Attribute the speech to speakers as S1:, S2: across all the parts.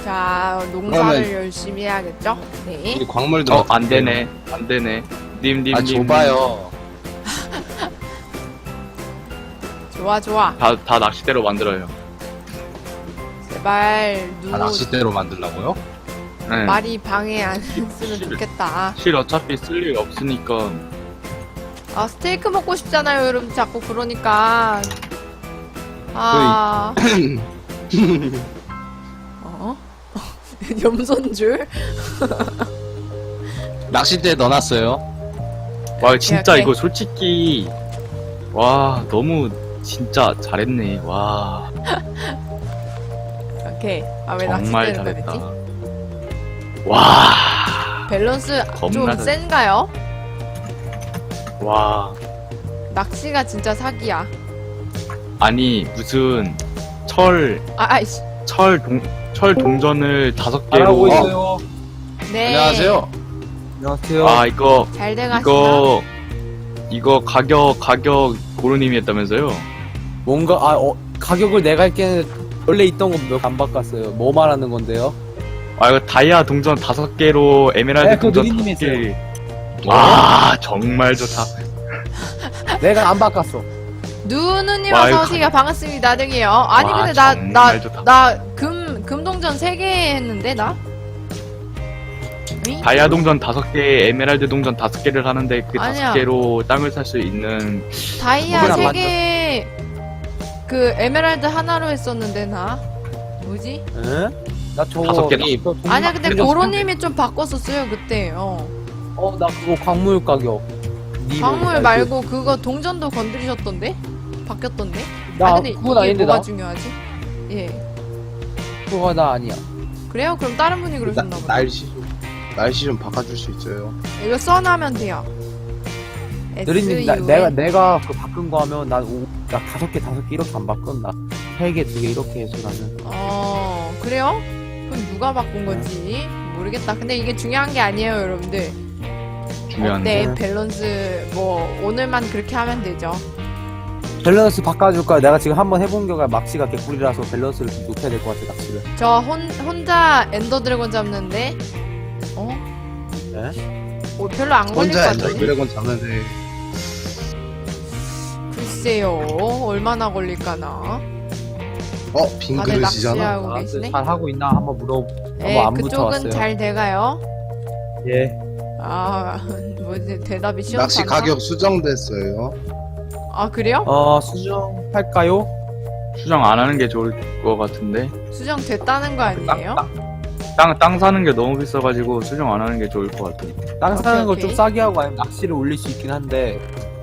S1: 자, 농사를
S2: 그러면-
S1: 열심히 해야겠죠? 네.
S2: 이 광물도
S3: 안 되네. 안 되네. 님.
S2: 아 좁아요.
S1: 좋아, 좋아.
S3: 다 낚싯대로 만들어요.
S1: 제발,
S2: 다 낚싯대로 만들라고요?
S3: 네.
S1: 말이 방해 안 했으면 좋겠다.
S3: 실 어차피 쓸 일 없으니까.
S1: 아, 스테이크 먹고 싶잖아요, 여러분. 자꾸 그러니까. 아. 어? 염손줄?
S2: 낚싯대에 넣어놨어요.
S3: 와 진짜
S1: 오케이.
S3: 이거 솔직히 와 너무 진짜 잘했네. 와
S1: 오케이. 아, 왜
S3: 정말
S1: 낚싯대는
S3: 잘했다.
S1: 그랬지?
S3: 와.
S1: 밸런스 좀
S3: 겁나 잘-
S1: 센가요?
S3: 와.
S1: 낚시가 진짜 사기야.
S3: 아니 무슨 철
S1: 아이씨.
S3: 동전을 5개로
S4: 잘하고 있어요.
S1: 네.
S2: 안녕하세요.
S4: 안녕하세요.
S3: 아 이거
S1: 잘 돼가시나?
S3: 이거 가격 고르님이 했다면서요?
S4: 뭔가 가격을 내가 할게는 원래 있던 거 몇 안 바꿨어요. 뭐 말하는 건데요?
S3: 아 이거 다이아 동전 5개로 에메랄드
S4: 네, 그거
S3: 동전
S4: 누리님이
S3: 5개. 와 정말 좋다.
S4: 내가 안 바꿨어.
S1: 누누님
S3: 와, 이거
S1: 어서오세요. 반갑습니다. 득이에요. 아니,
S3: 와,
S1: 근데
S3: 정말 좋다.
S1: 금동전 3개 했는데, 나? 응?
S3: 다이아 동전 5개, 에메랄드 동전 5개를 하는데 그
S1: 아니야.
S3: 5개로 땅을 살 수 있는
S1: 다이아
S4: 그건 안
S1: 3개, 그, 에메랄드 하나로 했었는데, 나? 뭐지?
S4: 응? 나 저거
S3: 5개.
S1: 아니야, 근데
S4: 그래도
S1: 고로님이 좀 바꿨었어요, 그때.
S4: 나 그거 광물 가격.
S1: 광물 말고 그거 동전도 건드리셨던데? 바뀌었던데?
S4: 나
S1: 근데
S4: 그건
S1: 이게
S4: 아닌데
S1: 뭐가
S4: 나
S1: 중요하지? 예.
S4: 그거 나 아니야.
S1: 그래요? 그럼 다른 분이 그러셨나 보다.
S2: 날씨 좀 바꿔줄 수 있어요.
S1: 이거 써놔면 돼요.
S4: 느리님
S1: SUN.
S4: 내가 그 바꾼 거 하면 나 5개 이렇게 안 바꾼 나 3개 2개 이렇게 해서 나는
S1: 그래요? 그럼 누가 바꾼 건지 모르겠다. 근데 이게 중요한 게 아니에요, 여러분들.
S3: 중요한데.
S1: 어때? 밸런스, 오늘만 그렇게 하면 되죠.
S4: 밸런스 바꿔줄까? 내가 지금 한번 해본 결과 막시가 개꿀이라서 밸런스를 좀 높여야 될 것 같아 낚시를.
S1: 저 혼자 엔더 드래곤 잡는데,
S4: 네?
S1: 별로 안 걸릴 것
S2: 혼자 엔더
S1: 같은데?
S2: 드래곤 잡는데
S1: 글쎄요, 얼마나 걸릴까나?
S2: 빈
S1: 다들
S2: 그릇이잖아.
S1: 낚시하고 계시네?
S4: 잘 하고 있나 한번
S1: 네,
S4: 안
S1: 그쪽은
S4: 붙여왔어요.
S1: 잘 돼가요?
S4: 예.
S1: 뭐지, 대답이 시원하나?
S2: 낚시 가격 수정됐어요.
S1: 아, 그래요?
S4: 수정할까요?
S3: 수정 안 하는 게 좋을 것 같은데.
S1: 수정됐다는 거 아니에요?
S3: 땅 사는 게 너무 비싸가지고 수정 안 하는 게 좋을 것 같아.
S4: 땅 사는 거
S1: 오케이.
S4: 좀 싸게 하고 아니면 낚시를 올릴 수 있긴 한데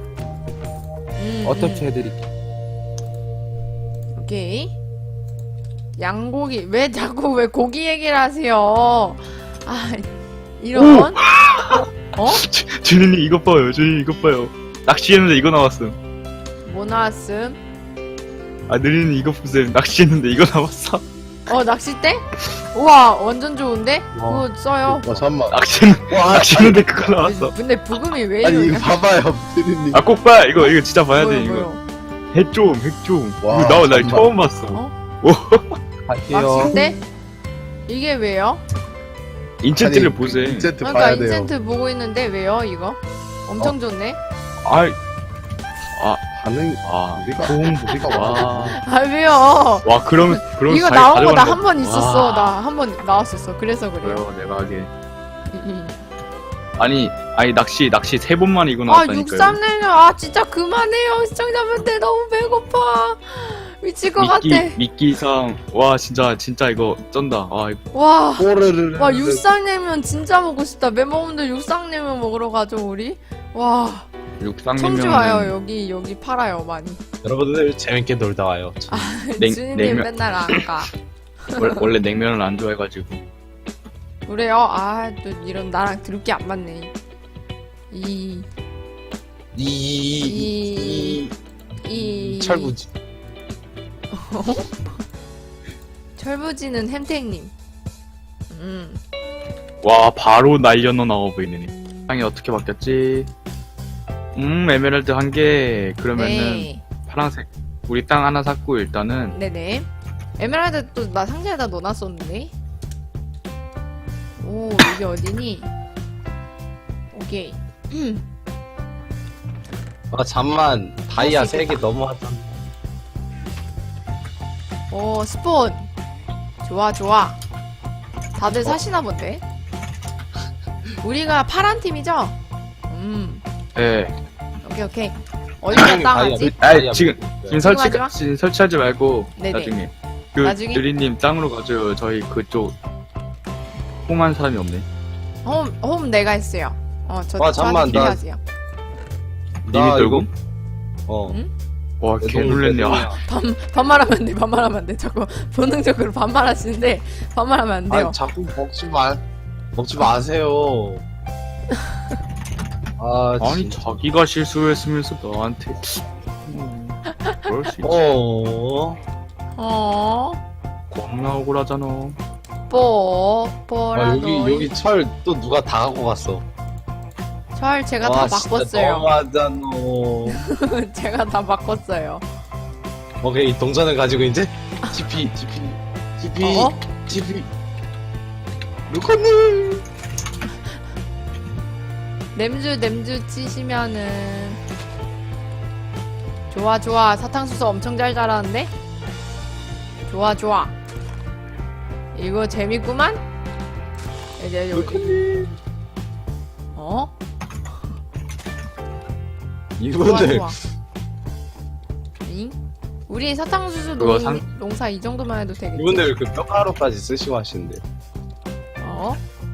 S4: 어떻게 해드릴까?
S1: 오케이. 양고기. 왜 자꾸 왜 고기 얘기를 하세요? 이런.
S3: 주인님 이것 봐요. 주인님 이것 봐요. 낚시했는데 이거 나왔음.
S1: 뭐 나왔음?
S3: 느리님 이거 보세요. 낚시했는데 이거 나왔어.
S1: 낚싯대? 우와, 완전 좋은데?
S4: 와.
S1: 그거 써요.
S2: 잠깐만.
S3: 낚시했는데 그거 나왔어.
S1: 근데 부금이 왜
S2: 아니
S1: 이러냐?
S2: 이거 봐봐요, 드리님.
S3: 꼭 봐. 이거 진짜 봐야 돼
S1: 뭐요,
S3: 이거.
S1: 뭐요?
S3: 핵 좀.
S2: 와,
S3: 이거 나
S2: 잠깐만.
S3: 처음 봤어.
S4: 갈게요.
S1: 낚싯대? 이게 왜요?
S3: 인챈트를
S2: 아니,
S3: 보세요.
S2: 인챈트
S1: 그러니까
S2: 봐야 돼요.
S1: 인센트 보고 있는데 왜요, 이거? 엄청 좋네?
S2: 반응 우리가
S3: 와.
S1: 왜요?
S3: 와 그럼
S1: 이거
S3: 잘
S1: 나온 거 나
S3: 가져가는
S1: 한 번 있었어.
S3: 와.
S1: 나 한 번 나왔었어. 그래서 그래요.
S3: 그래요 내가 하게. 아니 낚시 3번만 이거 나왔다니까요.
S1: 63내면 진짜 그만해요. 시청자분들 너무 배고파. 미칠 것 같아.
S3: 미끼상 와 진짜 이거 쩐다.
S1: 와.
S2: 꼬르르르.
S1: 와, 육상냉면 진짜 먹고 싶다. 멤버분들 육상냉면 먹으러 가죠, 우리? 와.
S3: 육상냉면
S1: 청주 와요. 여기 팔아요, 많이.
S5: 여러분들 재밌게 놀다 와요.
S1: 주인님
S3: 냉면.
S1: 맨날 안 가.
S3: 원래 냉면을 안 좋아해가지고.
S1: 그래요? 또 이런 나랑 들을 게 안 맞네.
S5: 철부지.
S1: 철부지는 햄탱님.
S3: 와 바로 날려놓 나와 보이네. 땅이 어떻게 바뀌었지? 에메랄드 1개. 그러면은
S1: 네.
S3: 파란색. 우리 땅 하나 샀고 일단은
S1: 네네. 에메랄드 또 나 상자에다 넣어놨었는데. 오, 여기 어디니? 오케이.
S5: 아 잠만 다이아
S1: 할수
S5: 3개 넘어왔잖아.
S1: 오, 스폰. 좋아, 좋아. 다들 사시나 본데? 우리가 파란 팀이죠?
S3: 예.
S1: 오케이, 오케이. 어디가 땅하지?
S3: 아이, 지금
S1: 하지 마.
S3: 지금 설치하지 말고
S1: 네네.
S3: 나중에 그
S1: 나중에?
S3: 느리님 땅으로 가줘요. 저희 그쪽 홈한 사람이 없네.
S1: 홈 내가 했어요.
S5: 와, 잠깐만, 나-
S1: 하세요.
S3: 님이 들고?
S5: 어.
S1: 응?
S3: 와, 개 놀랬네. 아,
S1: 반말하면 안 돼, 반말하면 안 돼. 자꾸 본능적으로 반말하시는데, 반말하면 안 돼요.
S2: 아니 자꾸
S5: 먹지 마세요. 아,
S3: 아니
S5: 진짜.
S3: 자기가 실수했으면서 너한테 그럴 수 있지. 겁나 억울하잖아.
S5: 아,
S1: 뽀라도.
S5: 여기 철 또 누가 다 갖고 갔어.
S1: 절 제가
S5: 와,
S1: 다
S5: 진짜
S1: 바꿨어요.
S5: 너무하잖아.
S1: 제가 다 바꿨어요.
S5: 오케이, 동전을 가지고 이제 TP.
S1: 어?
S5: 루커님.
S1: 냄주 치시면은 좋아 좋아. 사탕수수 엄청 잘 자라는데? 좋아 좋아. 이거 재밌구만? 이제 여기 어? 좋아
S5: 이분들
S1: 좋아. 잉? 우리 사탕수수
S3: 그거
S1: 농사 이 정도만 해도 되겠지?
S5: 이분들 그 뼈가루까지 쓰시고 하시는데.
S1: 어?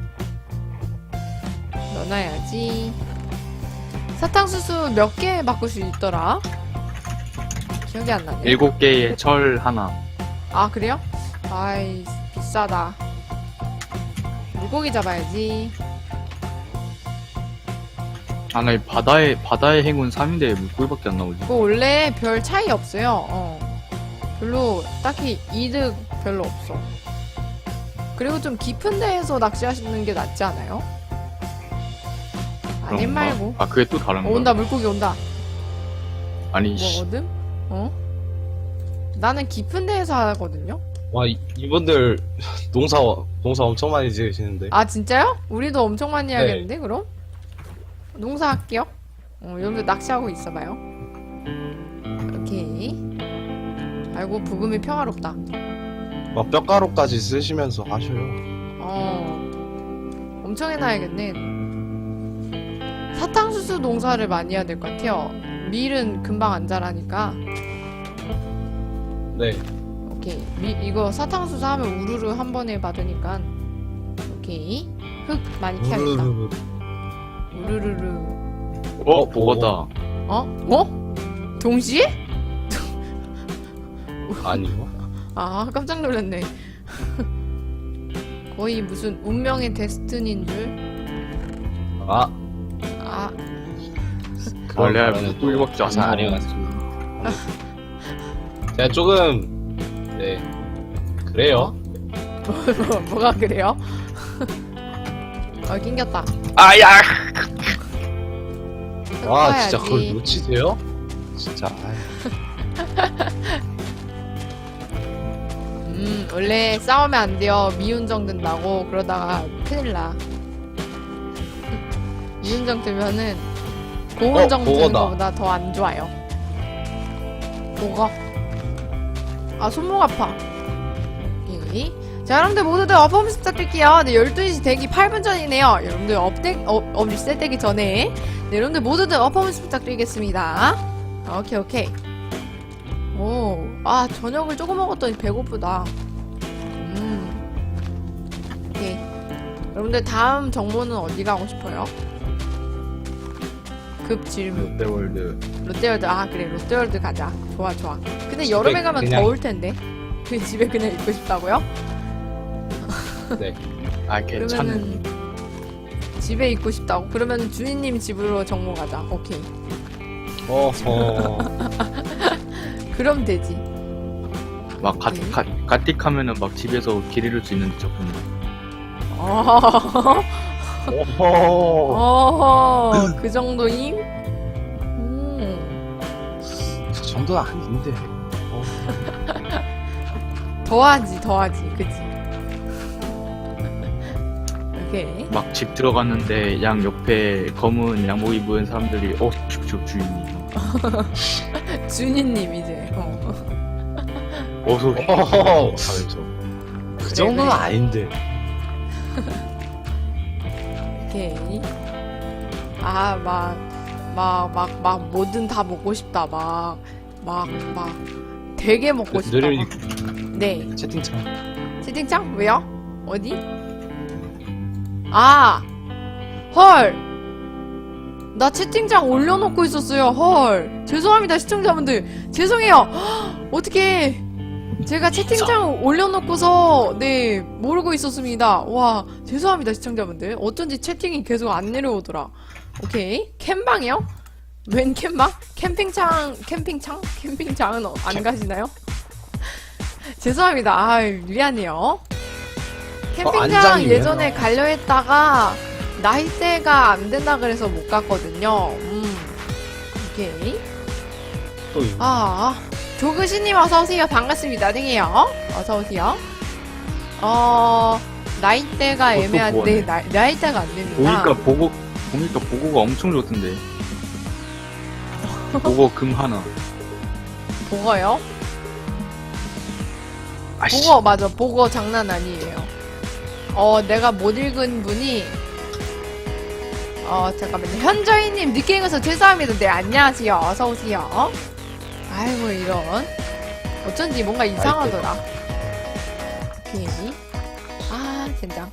S1: 넣어놔야지. 사탕수수 몇 개 바꿀 수 있더라? 기억이 안 나네.
S3: 7개의 철 하나.
S1: 아, 그래요? 아이, 비싸다. 물고기 잡아야지.
S3: 아, 나 이 바다의 행운 3인데 물고기밖에 안 나오지.
S1: 그거 원래 별 차이 없어요. 별로, 딱히 이득 별로 없어. 그리고 좀 깊은 데에서 낚시하시는 게 낫지 않아요? 아님
S3: 그런가?
S1: 말고.
S3: 아, 그게 또 다른 거야?
S1: 온다, 물고기 온다.
S3: 아니, 씨.
S1: 뭐거든? 나는 깊은 데에서 하거든요?
S5: 와, 이분들 농사 엄청 많이 지으시는데.
S1: 아, 진짜요? 우리도 엄청 많이
S5: 네.
S1: 해야겠는데, 그럼? 농사 할게요. 여러분들 낚시하고 있어봐요. 오케이. 아이고, 부금이 평화롭다.
S5: 막 뼈가루까지 쓰시면서 하셔요.
S1: 엄청 해놔야겠네. 사탕수수 농사를 많이 해야 될 것 같아요. 밀은 금방 안 자라니까.
S5: 네.
S1: 오케이. 이거 사탕수수 하면 우르르 한 번에 받으니까. 오케이. 흙 많이 캐야겠다. 우르르르.
S3: 보거다.
S1: 동시에?
S5: 아니요.
S1: 아, 깜짝 놀랐네. 거의 무슨 운명의 데스티니인 줄.
S5: 아,
S1: 아,
S3: 원래
S5: 말하는
S3: 물고기밖에 안
S5: 잘
S3: 나와.
S5: 아니어가지고. 제가 조금 네 그래요.
S1: 뭐가 그래요? 낑겼다.
S3: 아야!
S5: 와, 진짜
S1: 섞어야지.
S5: 그걸 놓치세요? 진짜.
S1: 원래 싸우면 안 돼요. 미운정 든다고. 그러다가 큰일 나. 미운정 들면은 고운정 드는
S5: 그거다.
S1: 것보다 더 안 좋아요. 뭐가? 아, 손목 아파. 오케이. 자, 여러분들 모두들 어퍼미스 부탁드릴게요. 네, 12시 되기 8분 전이네요. 여러분들 업 리셋되기 전에. 네, 여러분들 모두들 어퍼미스 부탁드리겠습니다. 오케이, 오케이. 오, 아, 저녁을 조금 먹었더니 배고프다. 오케이. 여러분들 다음 정모는 어디 가고 싶어요? 급 질문.
S3: 롯데월드.
S1: 롯데월드. 아, 그래, 롯데월드 가자. 좋아, 좋아. 근데 여름에 가면
S5: 그냥-
S1: 더울 텐데. 그 집에 그냥 있고 싶다고요?
S5: 네.
S3: 아, 괜찮네.
S1: 그러면은 집에 있고 싶다고? 그러면 주인님 집으로 정모 가자. 오케이.
S5: 어허.
S1: 그럼 되지.
S3: 막 가틱하면은 막 집에서 길 잃을 수 있는데 조금.
S1: 어허,
S5: 어허.
S1: 그 정도임?
S5: 그 정도는 아닌데.
S1: 더하지, 그치? 오케이.
S3: 막 집 들어갔는데 양 옆에 검은 양복 입은 사람들이 주인님
S1: 준이님 이제.
S3: 어서
S5: 어허허. 하면서. 그 정도는 아닌데.
S1: 오케이. 아, 막, 뭐든 다 먹고 싶다. 막, 되게 먹고 싶다.
S5: 느린이
S1: 막. 네.
S5: 채팅창.
S1: 채팅창? 왜요? 어디? 아! 헐! 나 채팅창 올려놓고 있었어요. 헐. 죄송합니다, 시청자분들. 죄송해요. 헉, 어떡해. 제가 채팅창 올려놓고서, 네, 모르고 있었습니다. 와, 죄송합니다, 시청자분들. 어쩐지 채팅이 계속 안 내려오더라. 오케이. 캠방이요? 웬 캠방? 캠핑장은 안 가시나요? 죄송합니다. 아, 미안해요. 캠핑장
S5: 안장이네요.
S1: 예전에 가려 했다가 나이대가 안 된다 그래서 못 갔거든요. 오케이.
S5: 또 이거.
S1: 조그시님 어서오세요. 반갑습니다. 땡이요. 어서오세요. 나이대가
S3: 그것도
S1: 애매한데,
S3: 뭐하네.
S1: 나이대가 안 됩니다.
S3: 보니까 보고가 엄청 좋던데. 보고 금 하나.
S1: 보거요?
S3: 아씨.
S1: 보거, 맞아. 보거 장난 아니에요. 내가 못 읽은 분이, 잠깐만요. 현저희님, 늦게 읽어서 죄송합니다. 네, 안녕하세요. 어서오세요. 아이고, 이런. 어쩐지 뭔가 이상하더라. 오케이. 젠장.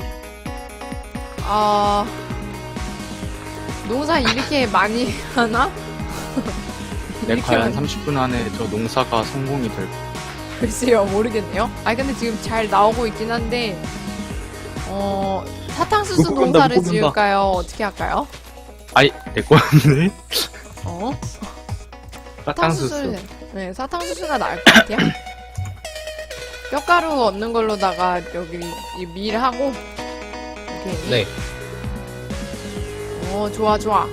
S1: 농사 이렇게 많이 하나?
S3: 내
S1: 이렇게
S3: 과연
S1: 많이-
S3: 30분 안에 저 농사가 성공이 될까?
S1: 글쎄요, 모르겠네요. 근데 지금 잘 나오고 있긴 한데, 사탕수수
S3: 못 본다,
S1: 농사를
S3: 못 본다.
S1: 지을까요? 어떻게 할까요?
S3: 아이, 내 거였네? 사탕수수.
S1: 네, 사탕수수가 나을 것 같아요. 뼈가루 얻는 걸로다가 여기 이 밀하고, 오케이.
S5: 네.
S1: 좋아. 좋아.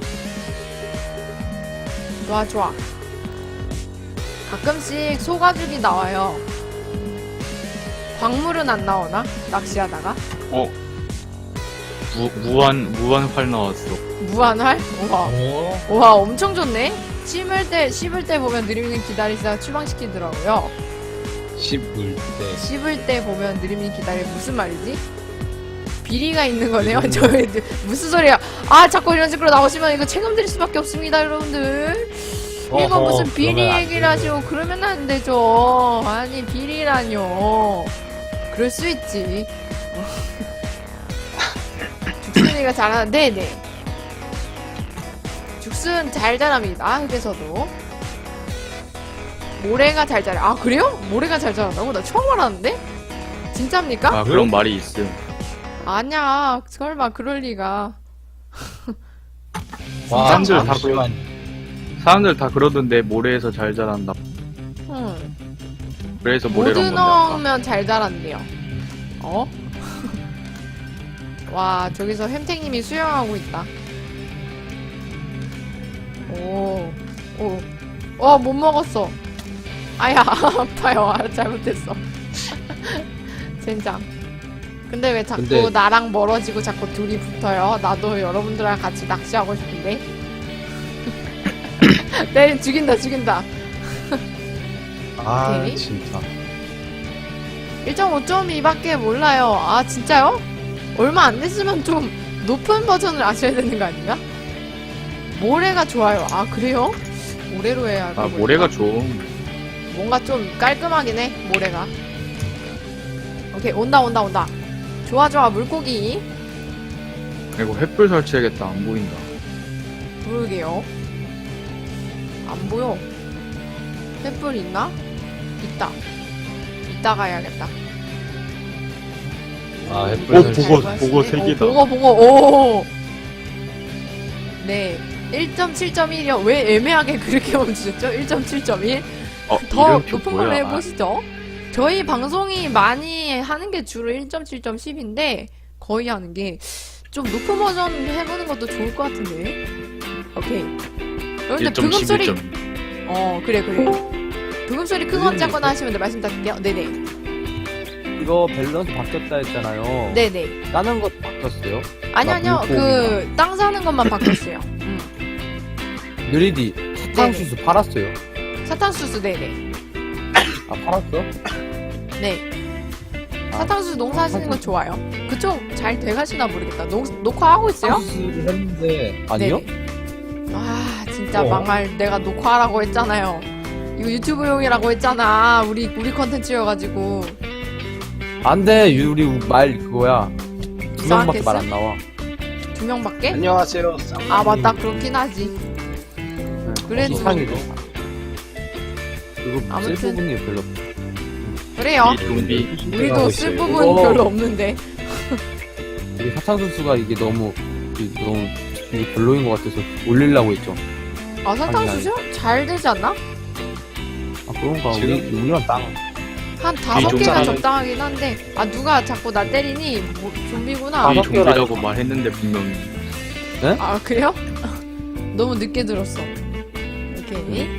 S1: 가끔씩 소가죽이 나와요. 광물은 안 나오나? 낚시하다가?
S3: 무한 활 나왔어.
S1: 무한활? 우와.
S5: 어?
S1: 우와, 엄청 좋네? 씹을 때 보면 느림님 기다리시다가 추방시키더라고요.
S5: 씹을 때.
S1: 씹을 때 보면 느림님 기다리, 무슨 말이지? 비리가 있는 거네요? 저희, 무슨 소리야? 자꾸 이런 식으로 나오시면 이거 책임 드릴 수밖에 없습니다, 여러분들. 이거
S5: 어허,
S1: 무슨 비리
S5: 그러면 안
S1: 얘기를
S5: 되죠.
S1: 하시고 그러면 안 되죠. 아니, 비리라뇨. 그럴 수 있지. 죽순이가 잘하는, 네네. 죽순 잘 자랍니다. 흙에서도. 모래가 잘 자라. 그래요? 모래가 잘 자란다고? 나 처음 알았는데? 진짜입니까?
S3: 그런 말이 있음.
S1: 아니야. 설마 그럴 리가.
S5: 와,
S3: 사람들 다
S5: 잠시만.
S3: 사람들 다 그러던데 모래에서 잘 자란다. 그래서 모래로
S1: 모드
S3: 먹는 아까.
S1: 넣으면 잘 자란대요. 와, 저기서 햄탱님이 수영하고 있다. 못 먹었어. 아야, 아파요. 잘못했어. 젠장. 근데 왜 자꾸
S5: 근데-
S1: 나랑 멀어지고 자꾸 둘이 붙어요? 나도 여러분들이랑 같이 낚시하고 싶은데. 네, 죽인다. 오케이.
S5: 진짜.
S1: 1.5.2밖에 몰라요. 진짜요? 얼마 안 됐으면 좀 높은 버전을 아셔야 되는 거 아닌가? 모래가 좋아요. 그래요? 모래로 해야 할 거.
S3: 모래가 좀.
S1: 뭔가 좀 깔끔하긴 해, 모래가. 오케이, 온다. 좋아, 물고기.
S3: 이거 횃불 설치해야겠다. 안 보인다.
S1: 부르게요. 안 보여. 횃불 있나? 있다. 이따가 해야겠다.
S5: 햇불 설치.
S3: 보고 세 개다.
S1: 보고. 네. 1.7.1이요. 왜 애매하게 그렇게 멈추셨죠? 1.7.1? 더
S3: 이름표
S1: 높은 걸로
S3: 뭐야?
S1: 해보시죠. 저희 방송이 많이 하는 게 주로 1.7.10인데 거의 하는 게 좀 높은 버전 해보는 것도 좋을 것 같은데. 오케이. 여러분들 브금 소리
S3: 1.11점.
S1: 그래. 브금 소리 크거나 작거나 하시면 말씀 드릴게요. 네네.
S4: 이거 밸런스 바뀌었다 했잖아요.
S1: 네네.
S4: 다른 것도 바뀌었어요.
S1: 아니요.
S4: 물고기나.
S1: 땅 사는 것만 바뀌었어요.
S4: 느리디 사탕수수 팔았어요.
S1: 사탕수수, 네네.
S4: 아 팔았어?
S1: 네.
S4: 아,
S1: 사탕수수 농사하시는 거 좋아요. 그쪽 잘 돼가시나 모르겠다. 녹화하고 있어요?
S4: 사탕수수를 했는데 아니요?
S1: 네네. 아, 진짜
S4: 어.
S1: 망할. 내가 녹화하라고 했잖아요. 이거 유튜브용이라고 했잖아. 우리 컨텐츠여가지고.
S4: 안돼 우리 말 그거야. 두 명밖에
S1: 이상하겠어?
S4: 말 안 나와.
S1: 2명밖에?
S5: 안녕하세요.
S1: 아, 맞다. 그렇긴 하지. 그래도.
S4: 이상이죠. 그리고
S1: 아무튼.
S4: 쓸 부분이 별로.
S1: 그래요.
S3: 이 좀비.
S1: 우리도 쓸 부분
S4: 어.
S1: 별로 없는데.
S4: 이게 사탕수수가 이게 너무 이게 별로인 것 같아서 올리려고 했죠.
S1: 아, 사탕수수? 잘 되지 않나?
S4: 아 그런가
S5: 지금-
S4: 우리만 땅.
S1: 한 5개가
S5: 좀비잖아요.
S1: 적당하긴 한데. 아, 누가 자꾸 나 때리니? 뭐, 좀비구나.
S4: 아,
S3: 이
S4: 다섯 개라
S3: 좀비라고 말했는데 분명히.
S1: 아, 그래요? 너무 늦게 들었어. 오케이.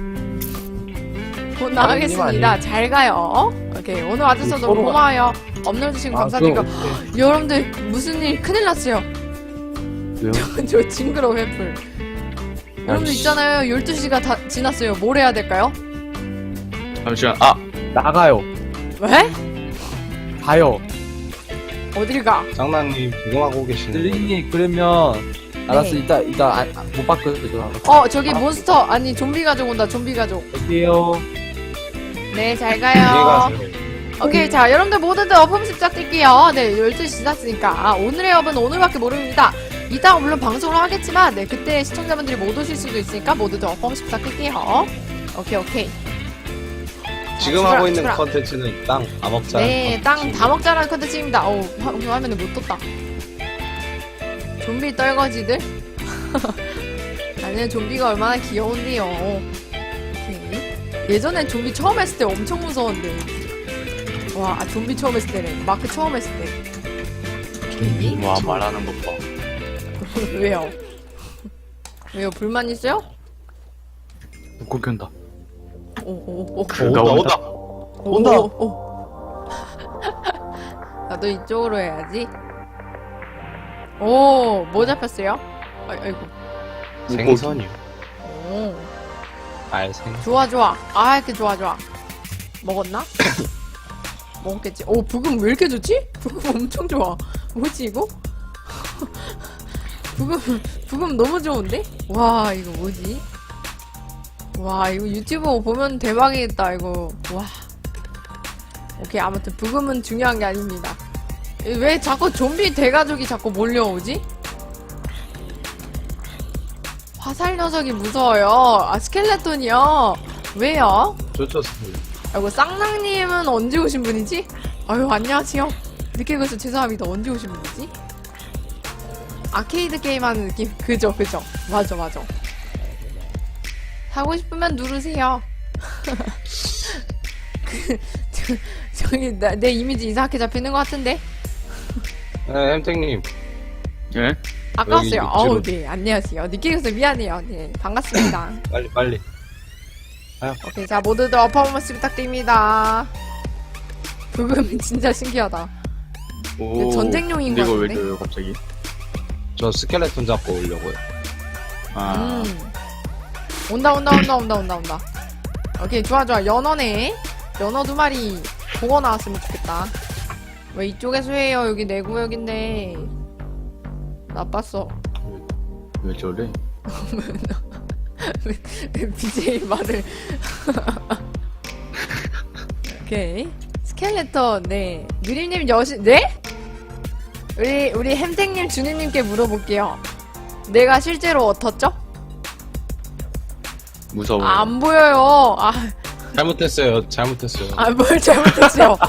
S1: 곧 나가겠습니다. 잘 가요. 오케이. 오늘 와주셔서 너무
S4: 서로가-
S1: 고마워요. 업로드주시고 감사드리고. 여러분들, 무슨 일 큰일 났어요.
S4: 왜요?
S1: 저 징그러워, 횃불. 여러분들
S4: 아이씨.
S1: 있잖아요. 12시가 다 지났어요. 뭘 해야 될까요?
S3: 잠시만. 아,
S4: 나가요.
S1: 왜?
S4: 가요.
S1: 어딜 가?
S5: 장난님 조용하고 계시는 거예요.
S4: 느리니 그러면 알았어.
S1: 네.
S4: 이따 못 바꿔줘.
S1: 저기 몬스터, 아니, 좀비 가족 온다, 좀비 가족.
S4: 여기요.
S1: 네, 잘
S5: 얘가
S1: 가요. 오케이, 자, 여러분들 모두들 업홈스 부탁드릴게요. 네, 12시 지났으니까. 오늘의 업은 오늘밖에 모릅니다. 이따가 물론 방송을 하겠지만, 네, 그때 시청자분들이 못 오실 수도 있으니까 모두들 업홈스 부탁드릴게요. 오케이.
S5: 지금
S1: 출발,
S5: 하고 있는
S1: 출발.
S5: 컨텐츠는 땅 다 먹자.
S1: 네, 땅 다 먹자라는 컨텐츠입니다. 화면에 못 떴다. 좀비 떨거지들? 아니, 좀비가 얼마나 귀여운데요. 오케이. 예전엔 좀비 처음 했을 때 엄청 무서웠는데. 와, 좀비 처음 했을 때래. 마크 처음 했을 때. 오케이.
S3: 와, 말하는 것 봐.
S1: 왜요? 왜요? 불만 있어요?
S3: 묶고 켠다.
S1: 오.
S5: 온다. 온다.
S1: 오. 나도 이쪽으로 해야지. 오, 뭐 잡혔어요? 아이고.
S5: 생선이요.
S1: 오,
S5: 알생.
S1: 좋아. 아, 이렇게 좋아. 먹었나? 먹었겠지. 오, 부금 왜 이렇게 좋지? 부금 엄청 좋아. 뭐지, 이거? 부금 너무 좋은데? 와, 이거 뭐지? 와, 이거 유튜브 보면 대박이겠다, 이거. 와. 오케이, 아무튼 부금은 중요한 게 아닙니다. 왜 자꾸 좀비 대가족이 자꾸 몰려오지? 화살 녀석이 무서워요. 아, 스켈레톤이요? 왜요?
S5: 좋습니다.
S1: 아이고, 쌍낭님은 언제 오신 분이지? 아유, 안녕하세요. 늦게 가서 죄송합니다. 언제 오신 분이지? 아케이드 게임하는 느낌? 그죠. 맞아. 사고 싶으면 누르세요. 저기, 내 이미지 이상하게 잡히는 것 같은데?
S5: 네, 햄탱님.
S3: 예?
S1: 아까웠어요.
S5: 여기
S1: 어우,
S5: 뒤로.
S1: 네, 안녕하세요. 늦게 가서 미안해요. 네, 반갑습니다.
S5: 빨리.
S1: 오케이, 자, 모두들 어퍼머스 부탁드립니다. 부금 진짜 신기하다.
S3: 오.
S1: 전쟁용인
S3: 근데
S1: 것
S3: 이거 왜
S1: 같은데?
S3: 줘요, 갑자기?
S5: 저 스켈레톤 잡고 오려고요.
S3: 아.
S1: 온다. 오케이, 좋아. 연어네. 연어 2마리 보고 나왔으면 좋겠다. 왜 이쪽에서 해요? 여기 내 구역인데. 나빴어.
S3: 왜 저래?
S1: BJ 말을. 오케이. 스켈레톤, 네. 누리님 네? 우리 햄탱님 주님님께 물어볼게요. 내가 실제로 어떻죠?
S3: 무서워.
S1: 안 보여요.
S5: 잘못했어요.
S1: 뭘 잘못했어요.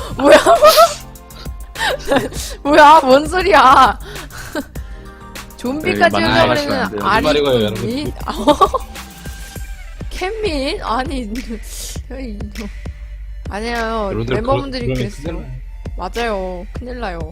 S1: 뭐야, 뭔 소리야. 좀비까지
S3: 네,
S1: 흘러버리는
S3: 만나시면 안 돼요.
S5: 말이고요,
S1: 아리. 캔민? 아니. 아니에요.
S5: 여러분들
S1: 멤버분들이
S5: 그러면
S1: 그랬어요.
S5: 큰일 나요.
S1: 맞아요. 큰일 나요.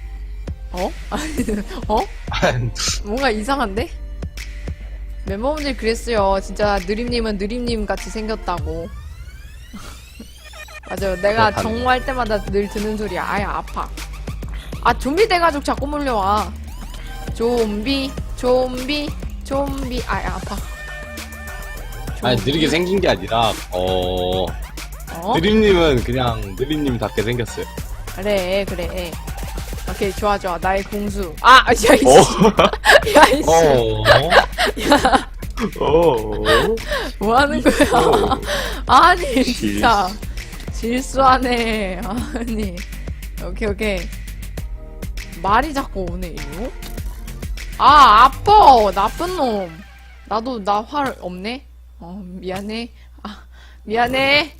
S1: 뭔가 이상한데? 멤버분들이 그랬어요. 진짜 느림님은 느림님 같이 생겼다고. 맞아요. 내가
S5: 그렇다네.
S1: 정모할 때마다 늘 듣는 소리야. 아야, 아파. 아, 좀비 돼가지고 자꾸 몰려와. 좀비. 아야, 아파.
S5: 아니 느리게 생긴 게 아니라
S1: 어?
S5: 느림님은 그냥 느림님답게 생겼어요.
S1: 그래. 오케이, 좋아. 나의 공수. 아, 야, 이씨. 야, 이씨. 뭐 하는 거야? 아니, 진짜. 실수하네. 아니. 오케이. 말이 자꾸 오네, 이거. 아, 아파. 나쁜 놈. 나 활 없네? 미안해. 아, 미안해.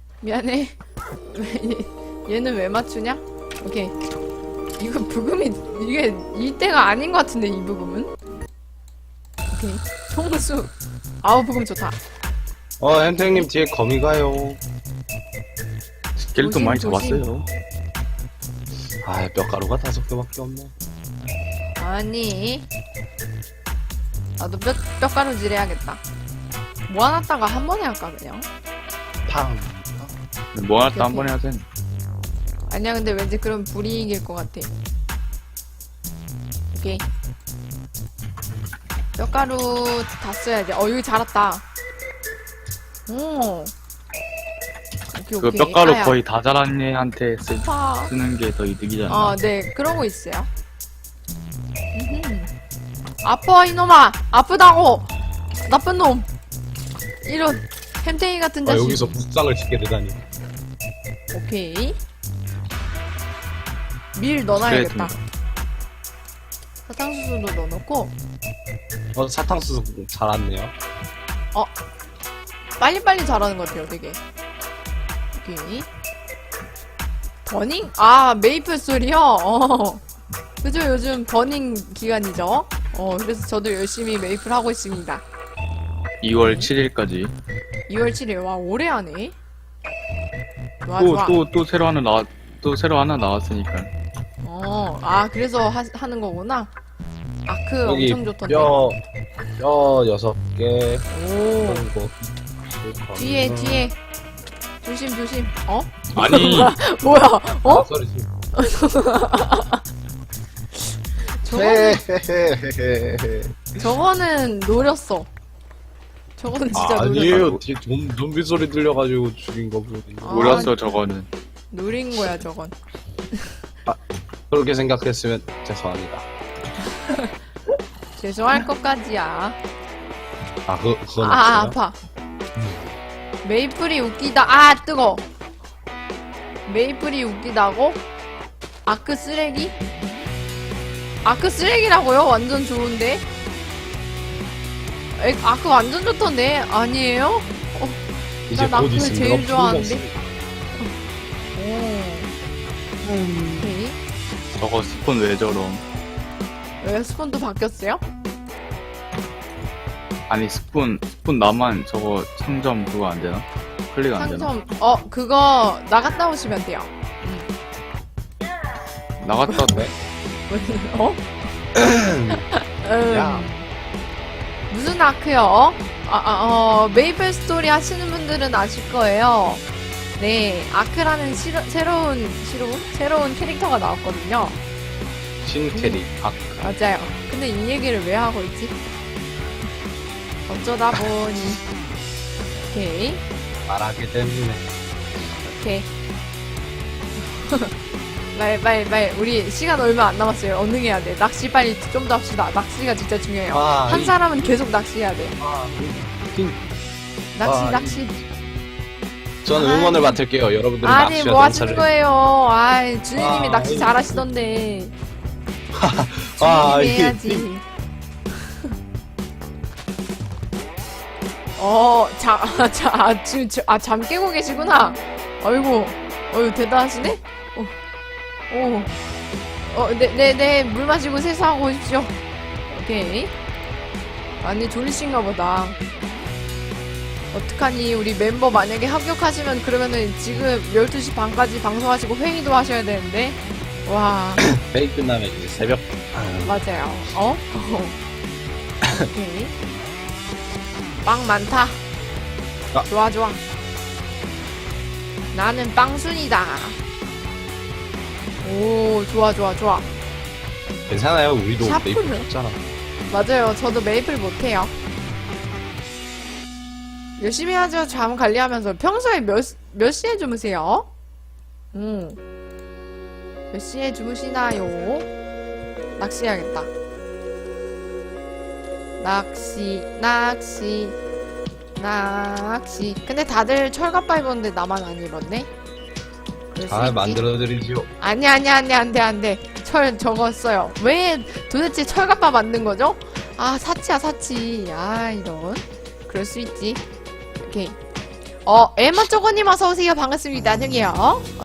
S1: 얘는 왜 맞추냐? 오케이. 이거 부금이, 이게 이때가 아닌 것 같은데, 이 부금은? 오케이. 통수. 아우, 부금 좋다.
S5: 햄탱님 뒤에 거미 가요.
S3: 스켈레톤 많이
S1: 조심.
S3: 잡았어요.
S5: 아, 뼈가루가 5개밖에 없네.
S1: 아니. 나도 뼈가루질 해야겠다. 모아놨다가 한 번에 할까, 그냥?
S2: 팡.
S3: 뭐 하나 또 한 번 해야 돼.
S1: 아니야, 근데 왠지 그럼 불이 이길 것 같아. 오케이. 뼈가루 다 써야지. 여기 자랐다. 오. 오케이.
S3: 그 뼈가루
S1: 아야.
S3: 거의 다 자란 애한테
S1: 아파.
S3: 쓰는 게 더 이득이잖아.
S1: 네, 그러고 있어요. 아파, 이놈아! 아프다고! 나쁜 놈! 이런, 햄탱이 같은 자식.
S5: 여기서 북상을 짓게 되다니.
S1: 오케이. 밀 넣어놔야겠다. 사탕수수도 넣어놓고,
S5: 사탕수수 자랐네요.
S1: 빨리빨리 자라는 것 같아요, 되게. 오케이. 버닝? 아, 메이플 소리요? 그죠, 요즘 버닝 기간이죠? 그래서 저도 열심히 메이플 하고 있습니다.
S3: 2월 7일까지.
S1: 2월 7일, 와, 오래 하네? 좋아.
S3: 또 새로 하나 나왔으니까.
S1: 그래서 하는 거구나? 아크
S5: 여기
S1: 엄청 좋던데.
S5: 뼈 6개.
S1: 오,
S5: 그리고
S1: 뒤에. 조심.
S3: 아니,
S1: 뭐야,
S5: 소리.
S1: 저거는 노렸어. 저거는 진짜 노렸어.
S5: 아니에요. 뒤에 좀비 소리 들려가지고 죽인 거 보니.
S3: 몰랐어, 저거는.
S1: 노린 거야, 저건.
S5: 그렇게 생각했으면 죄송합니다.
S1: 죄송할 것까지야.
S5: 그건
S1: 아,
S5: 없어요?
S1: 아파. 메이플이 웃기다. 뜨거. 메이플이 웃기다고? 아크 쓰레기? 아크 쓰레기라고요? 완전 좋은데? 아크 완전 좋던데? 아니에요?
S5: 이제
S1: 난
S5: 곧
S1: 아크
S5: 있으면
S1: 제일
S5: 이거
S1: 좋아하는데?
S5: 풀렸습니다.
S1: 오케이.
S3: 저거 스폰 왜 저럼?
S1: 왜 스폰도 바뀌었어요?
S3: 아니, 스폰 나만 저거 상점 그거 안 되나? 클릭 안 되나?
S1: 상점, 그거 나갔다 오시면 돼요.
S3: 나갔다 돼?
S5: 야.
S1: 무슨 아크요? 메이플 스토리 하시는 분들은 아실 거예요. 네, 아크라는 새로운 캐릭터가 나왔거든요.
S5: 신캐리
S1: 맞아요. 근데 이 얘기를 왜 하고 있지? 어쩌다 보니. 오케이.
S5: 말하기 때문에.
S1: 오케이. 빨리. 우리 시간 얼마 안 남았어요. 언능해야 돼. 낚시 빨리 좀 더 합시다. 낚시가 진짜 중요해요. 한 사람은 계속 낚시해야 돼. 낚시.
S5: 저는 응원을 맡을게요. 여러분들은
S1: 아니,
S5: 낚시와
S1: 뭐 하시는
S5: 농사를.
S1: 거예요? 주인님이 낚시 잘하시던데. 주인님이 해야지. 잠 깨고 계시구나. 어이구, 대단하시네? 네, 물 마시고 세수하고 오십시오. 오케이. 아니, 졸리신가 보다. 어떡하니, 우리 멤버 만약에 합격하시면 그러면은 지금 12시 반까지 방송하시고 회의도 하셔야 되는데. 와.
S5: 회의 끝나면 이제 새벽.
S1: 맞아요. 오케이. 빵 많다. 좋아. 나는 빵순이다. 오, 좋아, 좋아, 좋아.
S5: 괜찮아요. 우리도
S1: 샤프는?
S5: 메이플 있잖아.
S1: 맞아요. 저도 메이플 못해요. 열심히 하죠. 잠 관리하면서. 평소에 몇 시에 주무세요? 몇 시에 주무시나요? 낚시해야겠다. 낚시. 근데 다들 철갑바 입었는데 나만 안 입었네? 그럴 수
S5: 잘
S1: 있지.
S5: 만들어드리지요.
S1: 아니, 안 돼. 철 적었어요. 왜 도대체 철갑바 만든 거죠? 아, 사치야, 사치. 아, 이런. 그럴 수 있지. 오케이. 에마 쪼거님 어서오세요. 반갑습니다. 저기요.